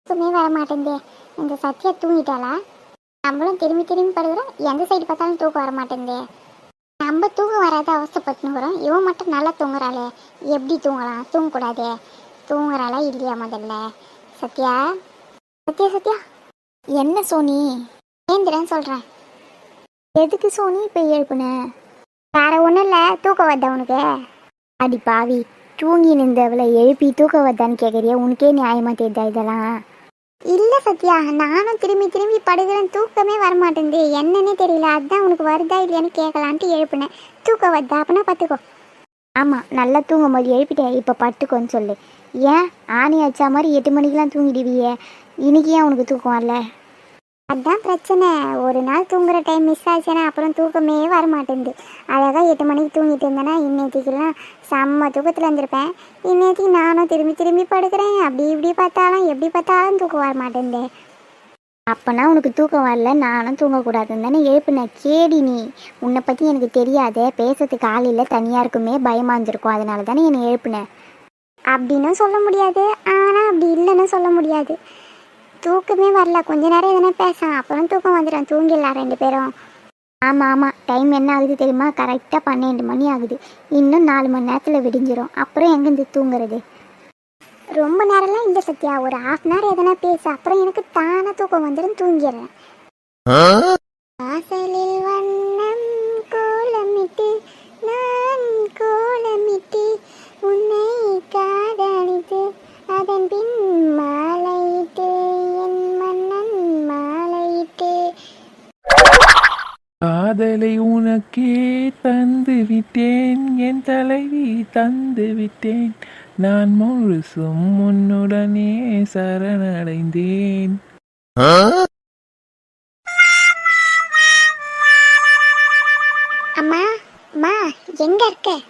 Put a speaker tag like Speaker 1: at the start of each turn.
Speaker 1: தூக்கமே வர மாட்டேங்குதே. இந்த சத்யா தூங்கிட்டாளா? நம்மளும் திரும்பி திரும்பி படுக்கிறோம், எந்த சைடு பார்த்தாலும் தூக்கம் வர மாட்டேங்குதே. நம்ம தூக்கம் வராத அவஸ்தைப்பட்டுனுக்குறோம், இவன் மட்டும் நல்லா தூங்குறாளே. எப்படி தூங்கலாம்? தூங்கக்கூடாதே. தூங்குறாளா இல்லையா முதல்ல? சத்யா, சத்யா, சத்யா. என்ன சோனி? ஏந்திரன்னு சொல்கிறேன். எதுக்கு சோனி இப்போ எழுப்புன? வேற ஒன்றும் இல்லை, தூக்கம் வருதா உனக்கு? அடி பாவி, தூங்கி நின்றவளை எழுப்பி தூக்கம் வருதான்னு கேட்குறியா? உனக்கே நியாயமாக தெரியுதா இதெல்லாம்? இல்லை சத்யா, நானும் திரும்பி திரும்பி படுக்கிறேன், தூக்கமே வரமாட்டேங்குது. என்னன்னே தெரியல, அதுதான் உனக்கு வருதா இல்லையான்னு கேட்கலான்ட்டு எழுப்புனேன். தூக்கம் வருதா? அப்படின்னா பார்த்துக்கோ. ஆமாம், நல்லா தூங்கும் போது எழுப்பிட்டேன், இப்போ படுத்துக்கோன்னு சொல்லு. ஏன் ஆணி வச்சா மாதிரி 8 மணிக்கெலாம் தூங்கிடுவியே, இன்னைக்கு ஏன் உனக்கு தூக்கம் வரல? அதுதான் பிரச்சனை. ஒரு நாள் தூங்குற டைம் மிஸ் ஆச்சுன்னா அப்புறம் தூக்கமே வரமாட்டேங்குது. அழகாக 8 மணிக்கு தூங்கிட்டு இருந்தேன்னா இன்னேத்திக்கெல்லாம் செம்ம தூக்கத்தில் இருந்திருப்பேன். இன்னேத்திக்கு நானும் திரும்பி திரும்பி படுக்கிறேன், அப்படி இப்படி பார்த்தாலும் எப்படி பார்த்தாலும் தூக்கம் வர மாட்டேங்குது. அப்போனா உனக்கு தூக்கம் வரல, நானும் தூங்கக்கூடாதுன்னு தானே எழுப்புனேன். கேடி நீ, உன்னை பற்றி எனக்கு தெரியாதே, பேசுறதுக்கு காலையில் தனியாக இருக்குமே பயமாக இருந்திருக்கும், அதனால தானே என்னை எழுப்புனேன். அப்படின்னு சொல்ல முடியாது, ஆனால் அப்படி இல்லைன்னு சொல்ல முடியாது. தூக்கமே வரல, கொஞ்ச நேரம் எதனா பேசலாம், அப்புறம் தூக்கம் வந்துடும், தூங்கிடலாம் 2 பேரும். ஆமாம் ஆமாம், டைம் என்ன ஆகுது தெரியுமா? கரெக்டாக 12 மணி ஆகுது. இன்னும் 4 மணி நேரத்தில் விடிஞ்சிரும், அப்புறம் எங்கேருந்து தூங்குறது? ரொம்ப நேரம்லாம் இல்லை சத்யா, ஒரு 1/2 hour எதனா பேச, அப்புறம் எனக்கு தானே தூக்கம் வந்துடும், தூங்கிடுறேன். வாசலில் வண்ணம் கோலமிட்டு நான் கோலமிட்டு உன்னை காதலித்து அதன் பின் மாலையிட்டு என் மன்னன் மாலையிட்டு.
Speaker 2: காதலை உனக்கே தந்து விட்டேன், என் தலைவி தந்து விட்டேன், நான் முழுசும் உன்னுடனே சரணடைந்தேன்.
Speaker 1: அம்மா, அம்மா, எங்க இருக்க?